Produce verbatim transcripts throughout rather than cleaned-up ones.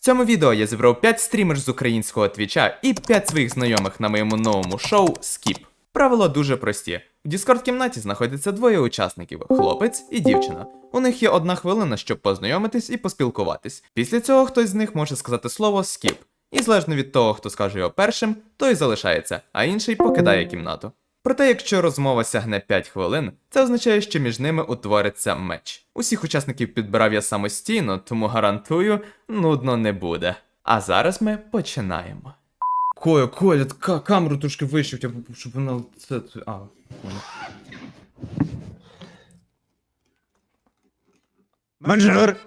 цьому відео я зібрав п'ять стрімерів з українського твіча і п'ять своїх знайомих на моєму новому шоу Skip. Правила дуже прості. В Discord-кімнаті знаходяться двоє учасників – хлопець і дівчина. У них є одна хвилина, щоб познайомитись і поспілкуватись. Після цього хтось з них може сказати слово Skip. І залежно від того, хто скаже його першим, той залишається, а інший покидає кімнату. Проте, якщо розмова сягне п'ять хвилин, це означає, що між ними утвориться меч. Усіх учасників підбирав я самостійно, тому гарантую, нудно не буде. А зараз ми починаємо. Коля, Коля, к- камеру трошки вище, щоб вона... Це... А, понял. Бонжур!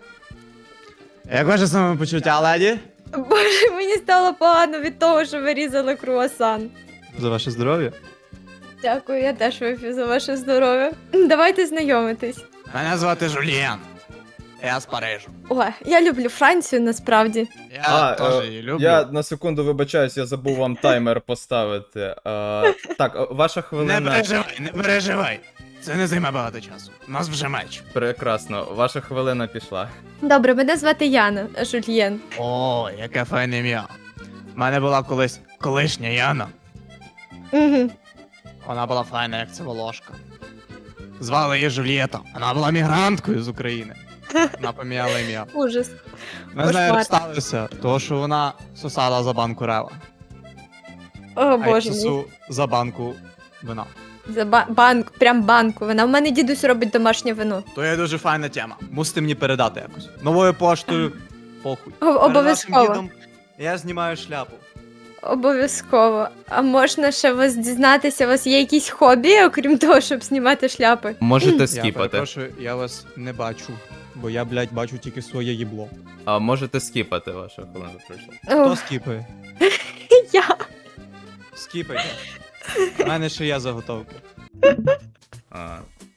Як ваше самопочуття, леді? Боже, мені стало погано від того, що ви різали круасан. За ваше здоров'я. Дякую, я теж вип'ю за ваше здоров'я. Давайте знайомитись. Мене звати Жульєн. Я з Парижу. О, я люблю Францію насправді. Я А, теж е, її люблю. Я на секунду вибачаюсь, я забув вам таймер поставити. Е, так, е, ваша Не хвилина... переживай, не переживай. Це не займе багато часу. У нас вже меч. Прекрасно, ваша хвилина пішла. Добре, мене звати Яна Жульєн. О, яке файне ім'я. У мене була колись колишня Яна. Угу. Вона була файна, як циволожка. Звали її Жульєта. Вона була мігранткою з України. Вона поміняла ім'я. Ужас. Ми з нею Кошмар. розсталися, тому що вона сосала за банку рева. О, А я боже мій. сосу за банку вина. За ба- банк, прям банку. Вона в мене дідусь робить домашнє вино. То є дуже файна тема. Мусите мені передати якось. Новою поштою. Похуй. О- обов'язково. Перед вашим дідом я знімаю шляпу. Обов'язково. А можна ще вас дізнатися, у вас є якісь хобі, окрім того, щоб знімати шляпи? Можете Я скіпати. перепрошую, я вас не бачу. Бо я, блядь, бачу тільки своє їбло. А можете скіпати, ваша хвилина пройшла. Хто О, скіпає? я. Скіпайте. У мене ще є заготовки. А.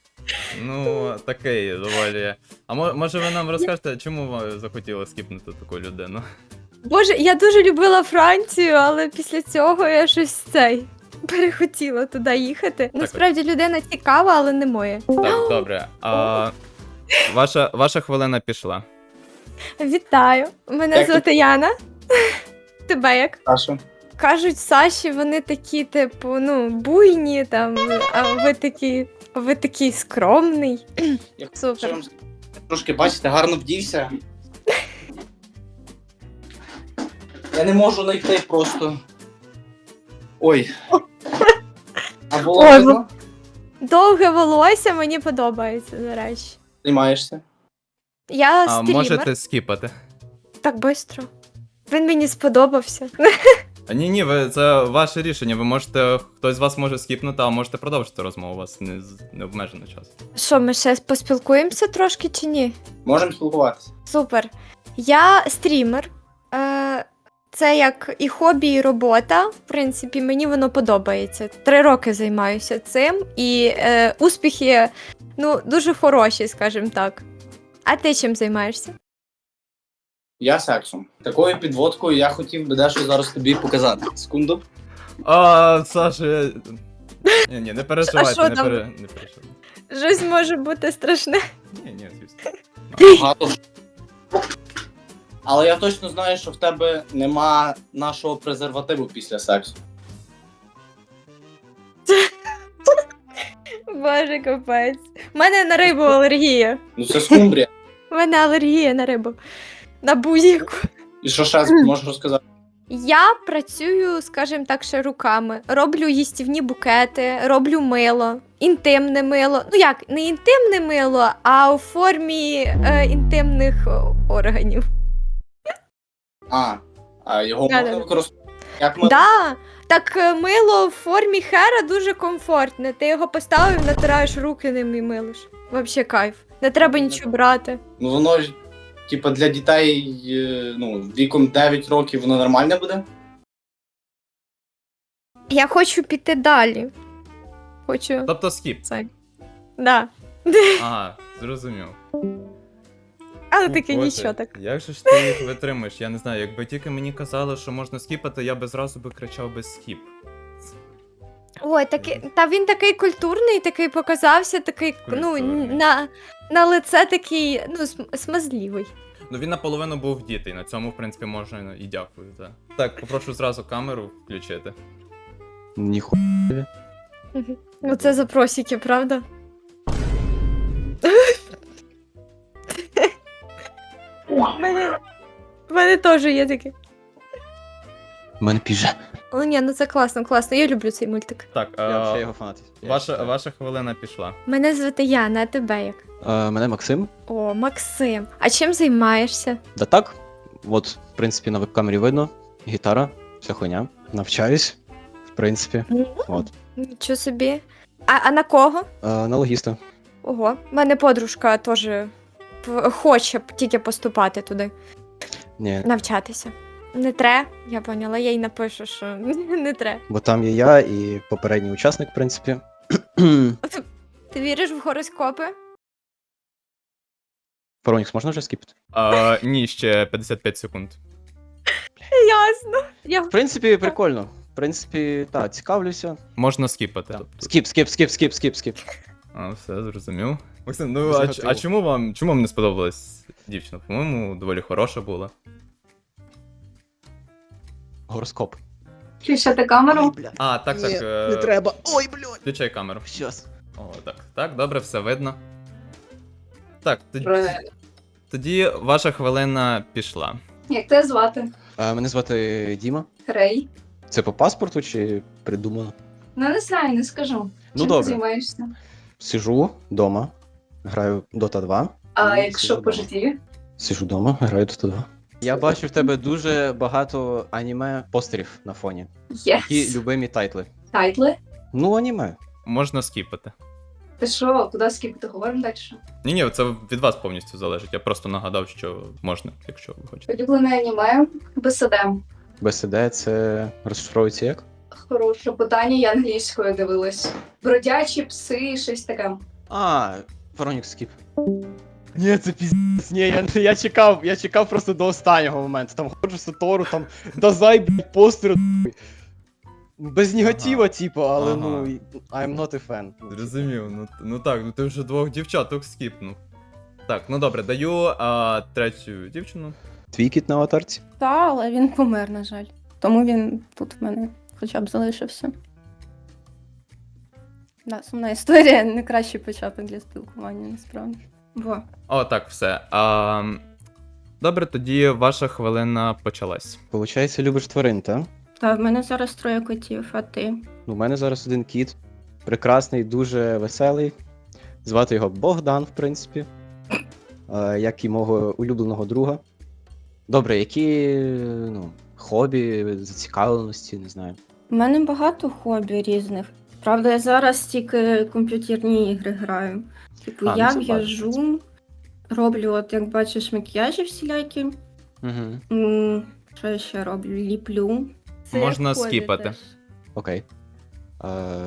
Ну, такий доволі. А мо- може ви нам розкажете, чому ви захотіли скіпнути таку людину? Боже, я дуже любила Францію, але після цього я щось цей перехотіла туди їхати. Насправді людина цікава, але не моя. Так, добре. А, ваша, ваша хвилина пішла. Вітаю! Мене Як звати Яна. Тебе як? Саша. Кажуть, Саші, вони такі, типу, ну, буйні там, а ви такі. Ви такий скромний. Я Супер. вам трошки, бачите, гарно вдівся. Я не можу знайти просто. Ой. А було Ой, видно? Довге волосся мені подобається, до речі. Займаєшся? Я А, стрімер. можете скіпати. Так швидко. Він мені сподобався. А, ні, ні, ви, це ваше рішення. Ви можете, хтось з вас може скіпнути, а можете продовжити розмову. У вас не, з- не обмежено час. Що, ми ще поспілкуємося трошки чи ні? Можемо спілкуватися. Супер. Я стрімер. Е, Це як і хобі, і робота. В принципі, мені воно подобається. Три роки займаюся цим, і е, успіхи ну, дуже хороші, скажімо так. А ти чим займаєшся? Я сексом. Такою підводкою я хотів би дещо зараз тобі показати. Секунду. А, Саша, я... Ні, ні, не переживайте, що не, там? пере... не переживайте. Щось може бути страшне. Ні, ні, звісно. Багато. Але я точно знаю, що в тебе нема нашого презервативу після сексу. Боже, капець. У мене на рибу алергія. Ну це скумбрія. У мене алергія на рибу. На будь-яку. І що ще можеш розказати? Я працюю, скажімо так, ще руками. Роблю їстівні букети, роблю мило, інтимне мило. Ну як, не інтимне мило, а у формі е, інтимних о, органів. А, а його Да, можна да. використовувати. Як ми... Да, так е, мило в формі хера дуже комфортне. Ти його поставив, натираєш руки ним і милиш. Вообще кайф. Не треба нічого брати. Ну воно ж, типа, для дітей, е, ну, віком дев'ять років воно нормально буде? Я хочу піти далі. Хочу Тобто скіп. це. Да. Ага, зрозумів. Але О, таке Боже, нічого так. Як же ж ти їх витримаєш? Я не знаю, якби тільки мені казали, що можна скіпати, я би зразу би кричав без скіп. Ой, такий, та він такий культурний, такий показався, такий, ну, Культурний. на, на лице такий, ну, см- смазливий. Ну він наполовину був дітей, на цьому, в принципі, можна і дякую. Так, так попрошу зразу камеру включити. Ніху. Ну це запросики, правда? В мене, в мене теж є таке. У мене піже. О, ні, ну це класно, класно. Я люблю цей мультик. Так, Я а, взагалі його фанат. Я ваша, читаю. ваша хвилина пішла. Мене звати Яна, а тебе як? Е, Мене Максим. О, Максим. А чим займаєшся? Да так. От, в принципі, на веб-камері видно. Гітара, вся хуйня. Навчаюсь. В принципі. От. Нічого собі. А, а на кого? Е, На логіста. Ого, в мене подружка теж п- хоче б тільки поступати туди, Ні. навчатися. Не тре, я поняла, я їй напишу, що не тре. Бо там є я і попередній учасник, в принципі. Ти віриш в гороскопи? Паронікс можна вже скіпати? А, ні, ще п'ятдесят п'ять секунд. Ясно. Я... В принципі, прикольно. В принципі, так, цікавлюся. Можна скіпати. Так. Тобто. Скіп, скіп, скіп, скіп, скіп, скіп. А, все, зрозумів. Максим, ну Без а, ч- негативу. а чому вам чому вам не сподобалась дівчина? По-моєму, доволі хороша була. Гороскоп. Включати камеру. бля. А, так, так. е, Не треба. Ой, блядь. Включай камеру. Щас. О, так. Так, добре, все видно. Так, тоді, Правильно. тоді ваша хвилина пішла. Як тебе звати? Е, Мене звати Діма. Рей. Це по паспорту чи придумано? Ну не знаю, не скажу. Ну, Чим добре. ти займаєшся? Сижу вдома, граю Dota два. А Ну, якщо сижу по вдома. житті? Сижу вдома, граю Dota два. Я бачу в тебе дуже багато аніме постерів на фоні. Які Єс. любимі тайтли. Тайтли? Ну, аніме. Можна скіпати. Ти що, куди скіпати? Говоримо далі. Ні, ні, це від вас повністю залежить. Я просто нагадав, що можна, якщо ви хочете. Улюблене аніме БСД. БСД це розшифровується як? Хороше питання, я англійською дивилась. Бродячі пси, щось таке. А, Фаронік скіп. Ні, це піздець, ні, я, я чекав, я чекав просто до останнього моменту. Там ходжу Сатору, там Дазай, блядь, постер. Без негатива, типу, але Ага. ну, I'm not a fan. Зрозумів, ну, ну так, ну ти вже двох дівчаток скіпнув. Так, ну добре, даю а, третю дівчину. Твій кіт на аватарці? Та, але він помер, на жаль. Тому він тут в мене хоча б залишився. Да, сумна історія, не кращий початок для спілкування, насправді. Бо О, так, все. А, добре, тоді ваша хвилина почалась. Получається, любиш тварин, та? та в мене зараз троє котів, а ти? У мене зараз один кіт. Прекрасний, дуже веселий. Звати його Богдан, в принципі. Е, Як і мого улюбленого друга. Добре, які ну, хобі, зацікавленості, не знаю. У мене багато хобі різних. Правда, я зараз тільки комп'ютерні ігри граю. Типу, А, ну я це в'яжу, роблю, от як бачиш, макіяжі всілякі. Угу. М, Що я ще роблю? Ліплю. Це Можна як хобі скіпати. теж. Окей. Е...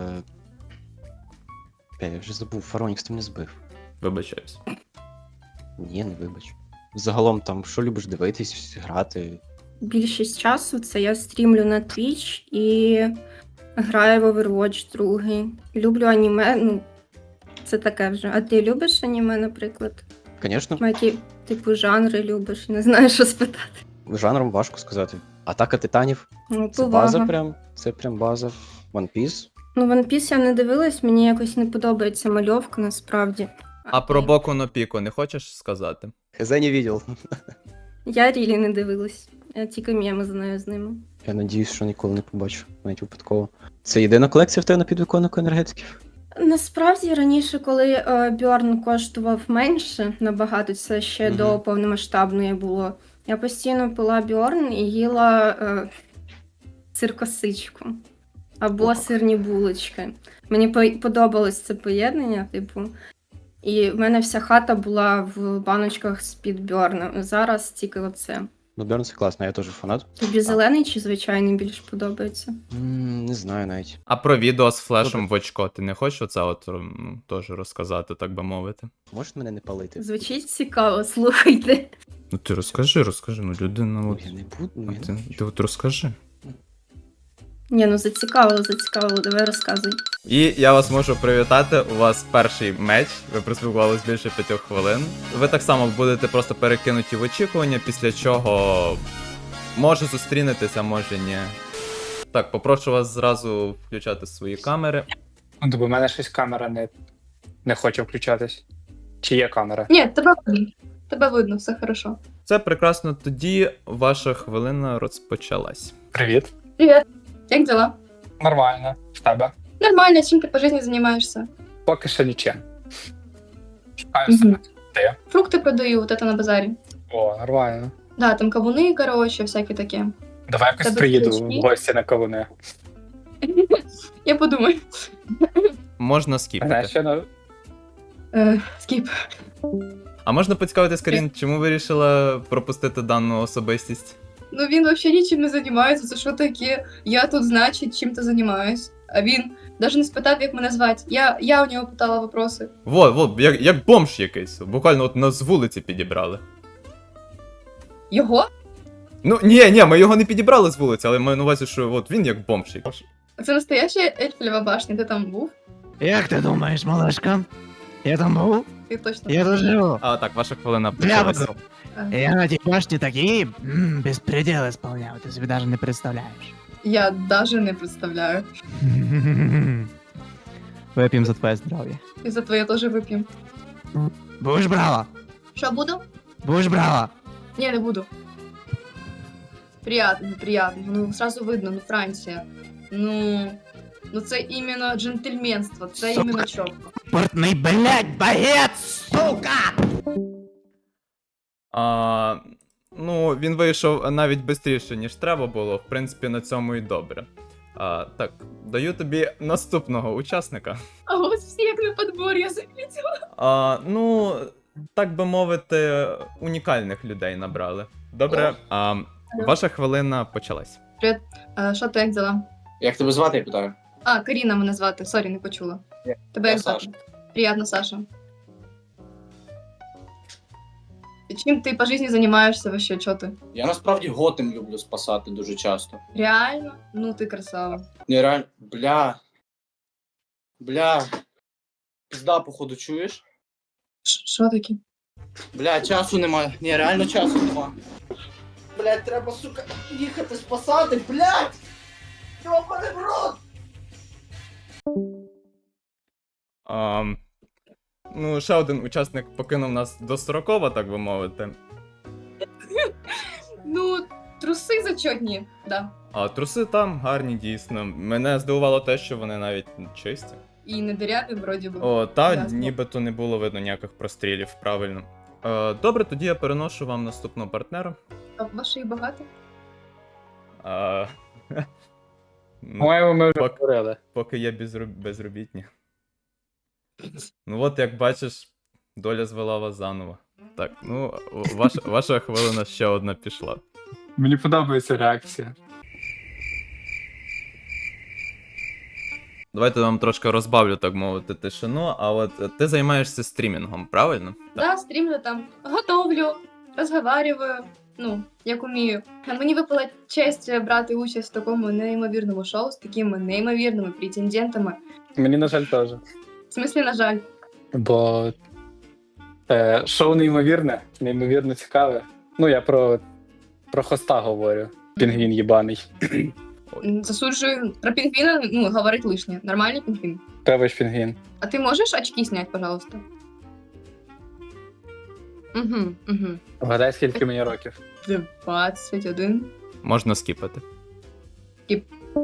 Бля, я вже забув, Фаронікс ти мене збив. Вибачаюсь. Ні, не вибач. Загалом там, що любиш дивитись, грати? Більшість часу це я стрімлю на Twitch і граю в Overwatch другий. Люблю аніме, ну, це таке вже. А ти любиш аніме, наприклад? Звісно, Які, типу, жанри любиш? Не знаю, що спитати. жанром важко сказати. Атака титанів Ну, це база повага. прям. Це прям база. One Piece. Ну, One Piece я не дивилась, мені якось не подобається мальовка, насправді. А про ти? Боку но Піко не хочеш сказати? Хз не видел. Я Рілі не дивилась. Я тільки меми знаю з ними. Я надіюсь, що ніколи не побачу, навіть випадково. Це єдина колекція в тебе на підвиконнику енергетиків? Насправді раніше, коли е, Бьорн коштував менше набагато, це ще Мгм. до повномасштабної було. Я постійно пила Бьорн і їла е, сир-косичку або Ох. сирні булочки. Мені по- подобалось це поєднання, типу. І в мене вся хата була в баночках з-під Бьорна. Зараз тільки оце. Ну, Берн це класно, я теж фанат. Тобі зелений чи звичайний більш подобається? М, Не знаю навіть. А про відео з флешем в очко ти не хочеш оце от ну, теж розказати, так би мовити? Можеш мене не палити? Звучить цікаво, слухайте. Ну ти розкажи, розкажи, ну людина Ну, от. я не буду, ну, я Ти, не ти от розкажи. Ні, ну зацікавило, зацікавило, давай розказуй. І я вас можу привітати. У вас перший меч. Ви проспілкувалися більше п'ятьох хвилин. Ви так само будете просто перекинуті в очікування, після чого може зустрінетеся, може ні. Так, попрошу вас зразу включати свої камери. Ну, бо в мене щось камера не, не хоче включатись. Чи є камера? Ні, тебе видно. Тебе видно, все хорошо. Це прекрасно. Тоді ваша хвилина розпочалась. Привіт. Привіт. Як дела? Нормально. В тебе? Нормально, чим ти по житті займаєшся? Поки що нічим. Шукаю Мгм. себе. Ти? Фрукти продаю, вот это на базарі. О, нормально. Да, там кавуни, короче, всяке таке. Давай якось Тебе приїду ключі? в гості на кавуни. Я подумаю. Можна Знаєш, скіпати. що на... Е, скіп. А можна поцікавитись, Карін, чому ви вирішила пропустити дану особистість? Ну він взагалі нічим не займається, це що таке? Я тут, значить, чим-то займаюсь. А він навіть не спитав, як мене звати. Я, я у нього питала вопроси. Во, во, як, як бомж якийсь. Буквально от нас з вулиці підібрали. Його? Ну, ні, ні, ми його не підібрали з вулиці, але маю на увазі, що от він як бомж якийсь. Це настояща Ельфлева башня, ти там був? Як ти думаєш, малышка? Я там був? Ти точно. Я тут живу. А так, ваша хвилина Я почалась. буду. Я на тій башні такі м, безпреділи сповняв, ти собі навіть не представляєш. Я даже не представляю. Вип'ємо за твоє здоров'я. І за твоє теж вип'ємо. Будеш брала? Що буду? Будеш брала? Ні, не буду. Приятно, приятно. Ну, сразу видно, ну Франція. Ну. Ну це іменно джентльменство, це Сука. іменно чітко. Портний, блядь, багет, сука! А, ну, він вийшов навіть швидше, ніж треба було. В принципі, на цьому і добре. А, так, даю тобі наступного учасника. А ось всі як на подбор, я замітила. А, ну, так би мовити, унікальних людей набрали. Добре, а, ваша хвилина почалась. А, що ти як дела? Як тебе звати, я питаю? А, Каріна мене звати, сорі, не почула. Тебе Я як звати? Саша. Приятно, Саша. І чим ти по житті займаєшся вообще, чо ти? Я насправді готем люблю спасати дуже часто. Реально? Ну ти красава. Ні, реально, бля. Бля. Пізда, походу, чуєш? Ш- Що таке? Бля, часу немає. Ні, реально часу нема. Блядь, треба, сука, їхати спасати, блядь! Йобаний в рот! А, ну, ще один учасник покинув нас достроково, так би мовити. Ну, труси зачетні, да. А труси там гарні, дійсно. Мене здивувало те, що вони навіть чисті. І не диряві, вроді би. О, та Ясно. нібито не було видно ніяких прострілів, правильно. Е, добре, тоді я переношу вам наступного партнера. А ваші багато? А, ну, По-моєму, ми вже Пок- говорили. поки є безроб... безробітні. Ну от, як бачиш, доля звела вас заново. Так, ну, ваша, ваша хвилина ще одна пішла. Мені подобається реакція. Давайте я вам трошки розбавлю, так мовити, тишину. А от е, ти займаєшся стрімінгом, правильно? Да, стрімлю там, готовлю, розговарюю, ну, як умію. А мені випала честь брати участь в такому неймовірному шоу з такими неймовірними претендентами. Мені, на жаль, теж. В смислі, на жаль. Бо е, шоу неймовірне, неймовірно цікаве. Ну, я про, про хоста говорю. Пінгвін їбаний. М, Засуджую. Про пінгвіна, ну, говорить лишнє. Нормальний пінгвін. Тебе ж пінгвін. А ты можешь очки снять, пожалуйста? Угу, угу. Вгадай, скільки мені років. двадцять один. Можна скіпати. Скіп.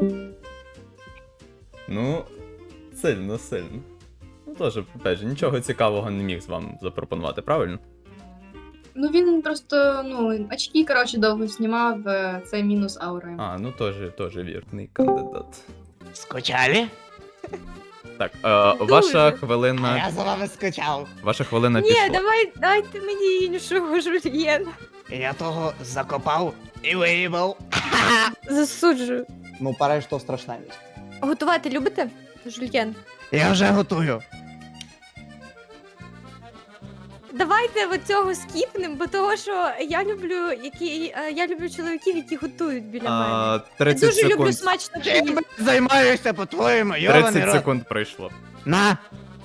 Ну, сильно, сильно. Ну, теж, опять же, нічого цікавого не міг з вам запропонувати, правильно? Ну він просто, ну, очки, коротше, довго знімав, е, це мінус аура. А, ну теж, теж вірний кандидат. Скучали? Так, е, Дуже. ваша А хвилина. я за вами скучав. Ваша хвилина Ні, пішла. давай, дайте мені іншого жульєна. Я того закопав і виїбав. Засуджую. Ну, париж то страшна вість. Готувати любите? Жульєн. Я вже готую. давайте от цього скіпнем, бо того, що я люблю, які, е, я люблю чоловіків, які готують біля мене. А, Я тридцять дуже люблю секунд. смачно Чим поїсти. займаєшся, по-твоєму, йований тридцять рот? секунд пройшло. На!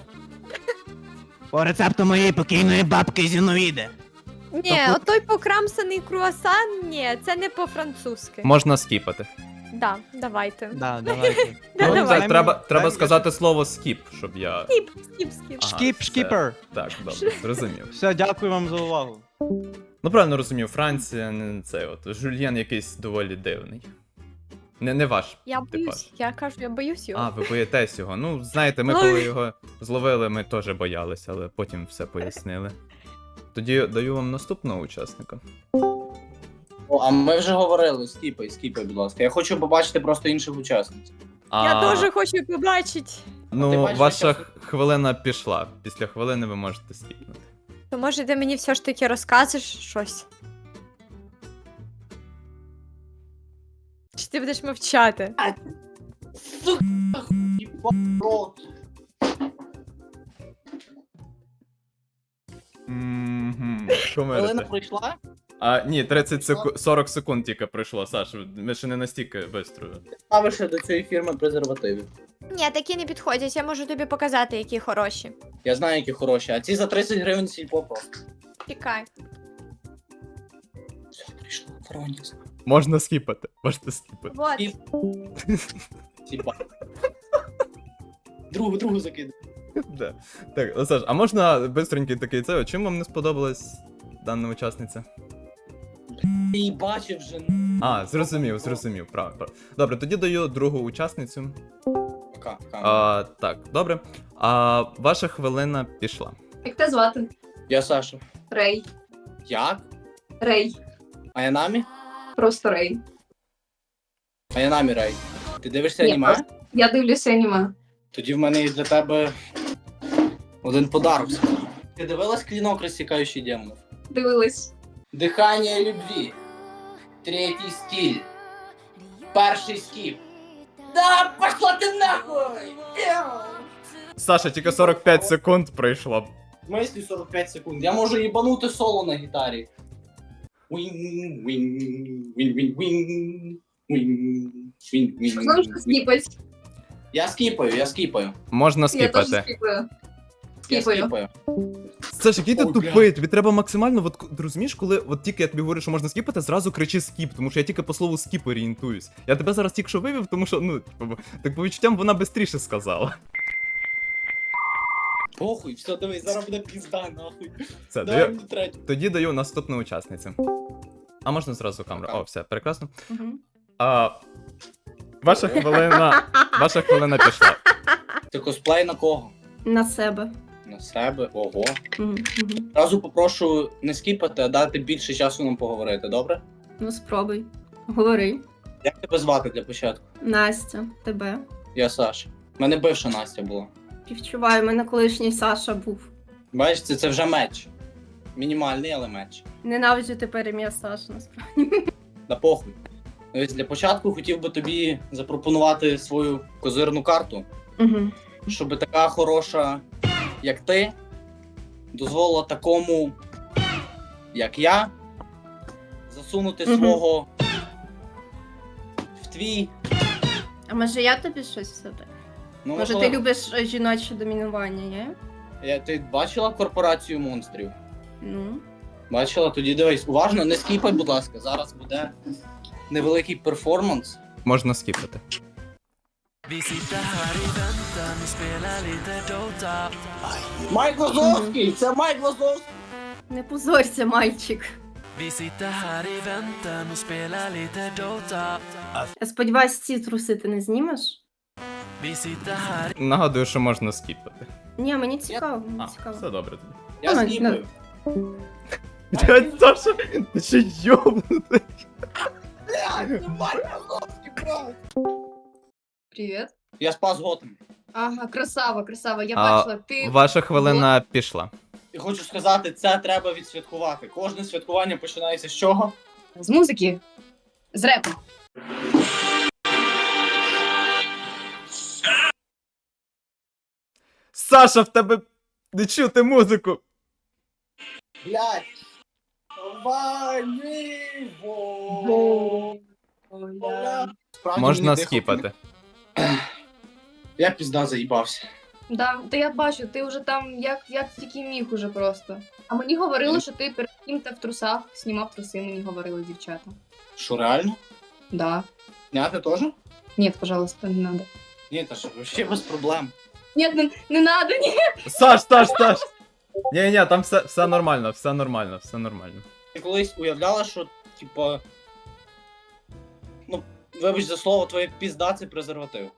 По рецепту моєї покійної бабки Зіновіди. Ні, отой покрамсаний круасан, ні, це не по-французьки. Можна скіпати. Да, давайте. Да, давайте. Да, Ну, давай. так, треба, треба сказати слово скіп, щоб я. Скіп, скіп, скіп. Ага, Шкіп, все. шкіпер. Так, добре, зрозумів. Все, дякую вам за увагу. Ну, правильно розумів, Франція, не цей от. Жульєн якийсь доволі дивний. Не, не ваш. Я типаж. боюсь, я кажу, я боюсь його. А, ви боїтесь його. Ну, знаєте, ми Ой. коли його зловили, ми теж боялися, але потім все пояснили. Тоді даю вам наступного учасника. О, а ми вже говорили, скіпай, скіпай, будь ласка. Я хочу побачити просто інших учасниць. А, Я дуже хочу побачити. Ну, Ти бачиш, ваша як я- хвилина пішла. Після хвилини ви можете скіпнути. То може ти мені все ж таки розкажеш щось? Чи ти будеш мовчати? Сука, їба рот. Мгм. Хвилина Комерите. пройшла? А, ні, тридцять секунд, сорок секунд тільки пройшло, Саш, ми ще не настільки бистро. Ставиш до цієї фірми презервативів. Ні, такі не підходять, я можу тобі показати, які хороші. Я знаю, які хороші, а ці за тридцять гривень сільпо просто. Чекай. Все, прийшла, Воронець. Можна скіпати, можна скіпати. Вот. І- Сільпа. Другу, другу закидай. Да. Так, ну, Саш, а можна бистренький такий це? Чим вам не сподобалась дана учасниця? Ти її бачив вже. А, зрозумів, зрозумів, правильно. Прав. Добре, тоді даю другу учасницю. Пока, пока. А, так, добре. А ваша хвилина пішла. Як тебе звати? Я Саша. Рей. Як? Рей. А я намі? Просто Рей. А я намі Рей. Ти дивишся Ні, аніме? просто- Я дивлюся аніме. Тоді в мене є для тебе один подарок. Ти дивилась клінок, розсікаючий демонів? Дивилась. Дихання любві. Третій стиль. Перший скіп. Да, пошла ти нахуй! Саша, тільки сорок п'ять секунд пройшло. В смислі сорок п'ять секунд. Я можу їбанути соло на гітарі. Він, він, він, він, він. Він, він, він, Знову ж він. скіпать. Я скіпаю, я скіпаю. Можна Я теж скіпати. скіпаю. Я Скіпаю. скіпаю. Саш, який ти Ой, тупий, тобі треба максимально, от, ти розумієш, коли от тільки я тобі говорю, що можна скіпати, зразу кричи скіп, тому що я тільки по слову скіп орієнтуюсь. Я тебе зараз тільки що вивів, тому що, ну, типу, так по відчуттям вона швидше сказала. Похуй, все, дивись, зараз буде пізда, нахуй. Все, Давай даю, мені третю. тоді даю наступну учасницю. А можна зразу камеру? О, все, прекрасно. Мгм. А, ваша хвилина, ваша хвилина пішла. Це косплей на кого? На себе. На себе, ого. Мгм, мгм. Зразу попрошу не скіпати, а дати більше часу нам поговорити, добре? Ну спробуй. Говори. Як тебе звати для початку? Настя, тебе. Я Саша. У мене бивша Настя була. Співчуваю, у мене колишній Саша був. Бачиш, це, це вже меч. Мінімальний, але меч. Ненавиджу тепер ім'я Саша, насправді. Да похуй. Ось для початку хотів би тобі запропонувати свою козирну карту, Угу. щоб така хороша, як ти, дозволила такому, як я, засунути Мгм. свого в твій. А може я тобі щось все так? Ну, Може ти можливо. любиш е, жіноче домінування, є? Я- Ти бачила корпорацію монстрів? Ну. Бачила? Тоді дивись, уважно, не скіпай, будь ласка. Зараз буде невеликий перформанс. Можна скіпати. Майк Лазовський! Це Майк Лазовський! Не позорься, мальчик. Я сподіваюсь, ці труси ти не знімеш? Нагадую, що можна скіпати. Ні, мені цікаво, мені А, цікаво. все добре тоді. Я Давай, скіпаю. Блядь, Саша, ти ще йобнутий. Блядь, Майк Лазовський, брат! Привіт. Я спас Готем. Ага, красава, красава. Я А, бачила, ти. Ваша хвилина пішла. І хочу сказати, це треба відсвяткувати. Кожне святкування починається з чого? З музики. З репу. Саша, в тебе не чути музику. Блядь! Давай, Ніво! Бля. Справді Можна мені дихати скіпати. не- Я пізда заїбався. Да, та я бачу, ти вже там як, як тільки міг уже просто. А мені говорили, що ти перед ким-то в трусах знімав труси, мені говорили дівчата. Що, реально? Да. Няти теж? Нет, пожалуйста, не надо. Ні, та що, вообще без проблем. Нет, не, не надо, ні. Саш, Саш, Саш! Ні, ні, там все, все нормально, все нормально, все нормально. Ти колись уявляла, що, типа. Ну, вибач за слово, твоє пізда це презерватив.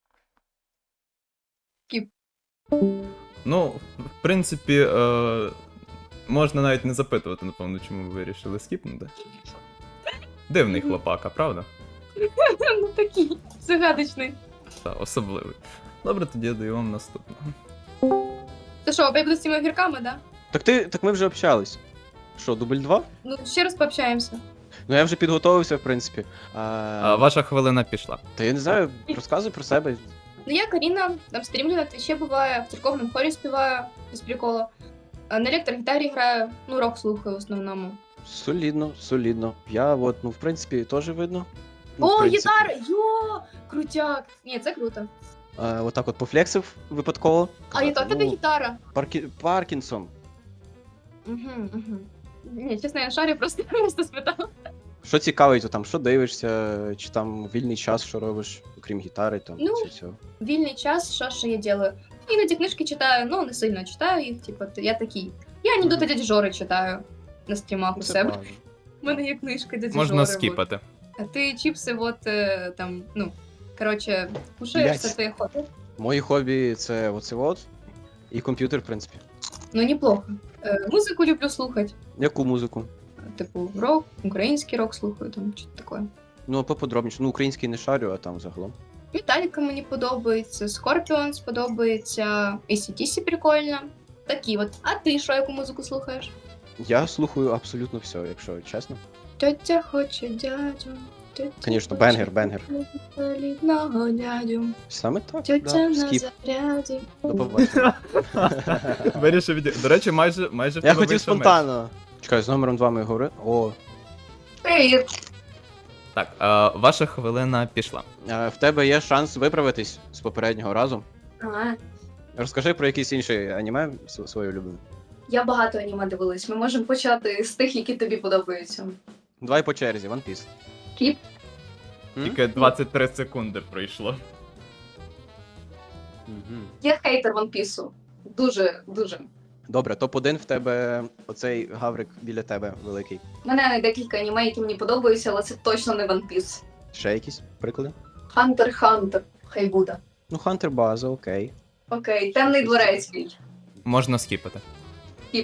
Ну, в принципі, е, можна навіть не запитувати, напевно, чому ви вирішили скіпнути. Дивний хлопака, правда? Ну такий загадочний. Та, особливий. Добре, тоді я даю вам наступного. Ти що, опять буду з цими огірками, да? Так ти, так ми вже общались. Що, дубль два? Ну, ще раз пообщаємося. Ну я вже підготовився, в принципі. А, А, ваша хвилина пішла. Та я не знаю, розказуй про себе. Ну, я Каріна, там стрімлю на твічі буває, в церковному хорі співаю, без приколу. А на електрогітарі граю, ну, рок слухаю в основному. Солідно, солідно. Я от, ну, в принципі, теж видно. Ну, в О, принципі. гітара! Йо! Крутяк! Ні, це круто. А, отак от пофлексив випадково. А яка в тебе Ну, гітара? Паркі... Паркінсон. Угу, угу. Ні, чесно, я на шарі просто, просто спитала. Що цікавить, то там, що дивишся, чи там вільний час, що робиш, окрім гітари, там, Ну, чи цього. Вільний час, що ще я делаю? Іноді книжки читаю, ну, не сильно читаю їх, типу, я такий. Я анекдоти дяді Жори читаю на стрімах у Ну, це себе. правда. У мене є книжка дяді Можна Жори. скіпати. Вот. А ти чіпси, от, е, там, ну, коротше, кушаєш, Блядь. це твоє хобі. Мої хобі це оце от, і комп'ютер, в принципі. Ну, неплохо. Е, музику люблю слухати. Яку музику? Типу, рок, український рок слухаю, там, щось таке. Ну, поподробніше. Ну, український не шарю, а там загалом. Металіка мені подобається, Scorpions подобається, ей сі ді сі прикольно. Такі от. А ти що, яку музику слухаєш? Я слухаю абсолютно все, якщо чесно. Тетя хоче дядю. Тетя Конечно, хоче бенгер, бенгер. солідного дядю. Саме так, Тетя да, на скіп. заряді. До побачення. Вирішив від... До речі, майже, майже в Я тебе хотів вийшов меч. спонтанно. Чекай, з номером два ми говорили. О, Привіт. Так, е, ваша хвилина пішла. е, в тебе є шанс виправитись з попереднього разу. Ага. Розкажи про якийсь інший аніме св- своє улюблене. Я багато аніме дивилась. Ми можемо почати з тих, які тобі подобаються. Давай по черзі, One Piece. Кліп. М? Тільки двадцять три секунди пройшло. Мгм. Я хейтер One Piece. Дуже, дуже. Добре, топ один в тебе оцей гаврик біля тебе великий. У мене декілька аніме, які мені подобаються, але це точно не One Piece. Ще якісь приклади? Хантер Хантер. Хай буде. Ну, Хантер база, окей. Окей, темний дворецький. Можна скіпати. Скіп.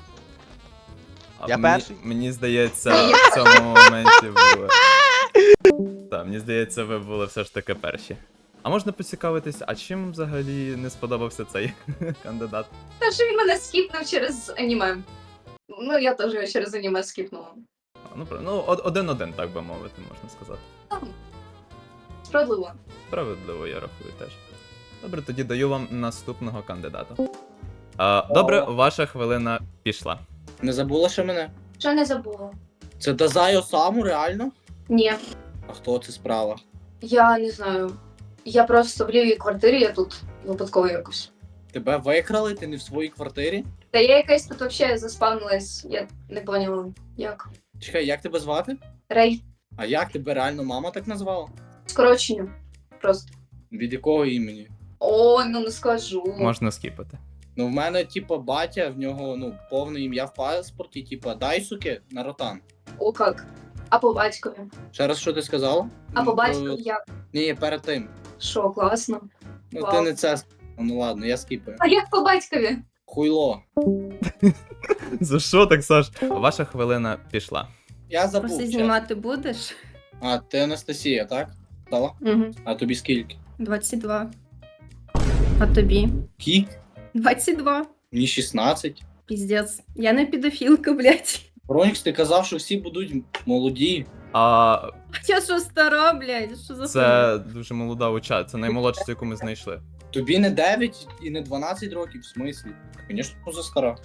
А Я мені, перший? Мені здається, в цьому моменті ви. Так, мені здається, ви були все ж таки перші. А можна поцікавитись, а чим взагалі не сподобався цей кандидат? Та що він мене скіпнув через аніме. Ну, я теж його через аніме скіпнула. А, Ну, про- ну, од- один-один, так би мовити, можна сказати. Справедливо. Справедливо, я рахую теж. Добре, тоді даю вам наступного кандидата. А, добре, ваша хвилина пішла. Не забула ще мене? Що не забула? Це Дазайо Саму, реально? Ні, А хто це справа? я не знаю. Я просто в лівій квартирі, я тут випадково якось. Тебе викрали, ти не в своїй квартирі? Та я якась тут взагалі заспавнилась, я не поняла, як. Чекай, як тебе звати? Рей, А як тебе реально мама так назвала? скорочення. Просто. Від якого імені? Ой, ну не скажу. Можна скіпати. Ну, в мене, типа, батя, в нього, ну, повне ім'я в паспорті, типа, Дайсуке Наротан. О, як? А по батькові? Ще раз, що ти сказала? А по Ну, батькові то- як? Ні, ні, перед тим. Що, класно. Ну, Вау. ти не це. с- Ну ладно, я скіпаю. А як по батькові? Хуйло. За що так, Саш? Ваша хвилина пішла. Я забув. Просто чесно. знімати будеш? А, ти Анастасія, так? Стала? Угу. А тобі скільки? двадцять два. А тобі? Кік? двадцять два. Мені шістнадцять. Піздець. Я не педофілка, блядь. Ронікс, ти казав, що всі будуть молоді. А Я що стара, блядь? Що за це дуже молода уча, це наймолодша, яку ми знайшли. Тобі не дев'ять і не дванадцять років, в смислі? Звісно, за стара.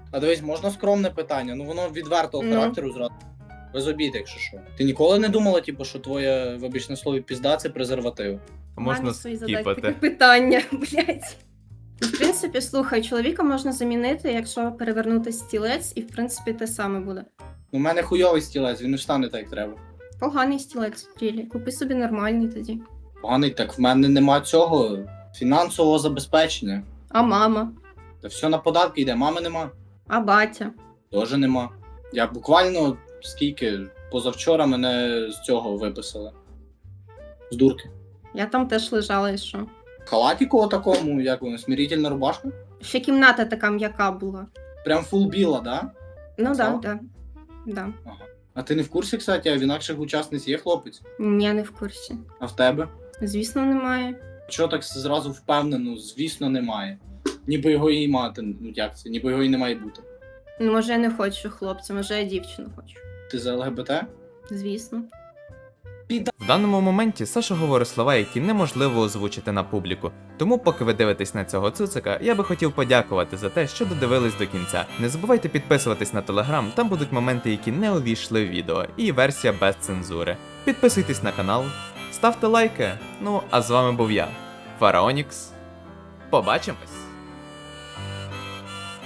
А дивись, можна скромне питання, ну воно відвертого Ну. характеру зразу. Без обід, якщо що. Ти ніколи не думала, типу, що твоє, вибач на слові, пізда це презерватив? Можна Мамі свої задати таке скіпати. питання, блядь. В принципі, слухай, чоловіка можна замінити, якщо перевернути стілець, і в принципі те саме буде. У мене хуйовий стілець, він не встане так, як треба. Поганий стілець в тілі. Купи собі нормальний тоді. Поганий, так в мене нема цього фінансового забезпечення. А мама, Та все на податки йде, мами нема. а батя. Теж нема. Я буквально скільки позавчора мене з цього виписали. З дурки. Я там теж лежала і що. Халатіку такому, як воно, смирительна рубашка? Ще кімната така м'яка була. Прям фул біла, да? Ну Що? так, да, да. Да. А ти не в курсі, кстати, а в інакших учасниць є хлопець? Я не в курсі. А в тебе? Звісно, немає. Чого так зразу впевнено? Звісно, немає. Ніби його і мати, ну як це, ніби його і не має бути. Ну, може, я не хочу хлопця, може, я дівчину хочу. Ти за ЛГБТ? Звісно. В даному моменті Саша говорить слова, які неможливо озвучити на публіку. Тому, поки ви дивитесь на цього цуцика, я би хотів подякувати за те, що додивились до кінця. Не забувайте підписуватись на телеграм, там будуть моменти, які не увійшли в відео, і версія без цензури. Підписуйтесь на канал, ставте лайки. Ну а з вами був я, Фараонікс. Побачимось!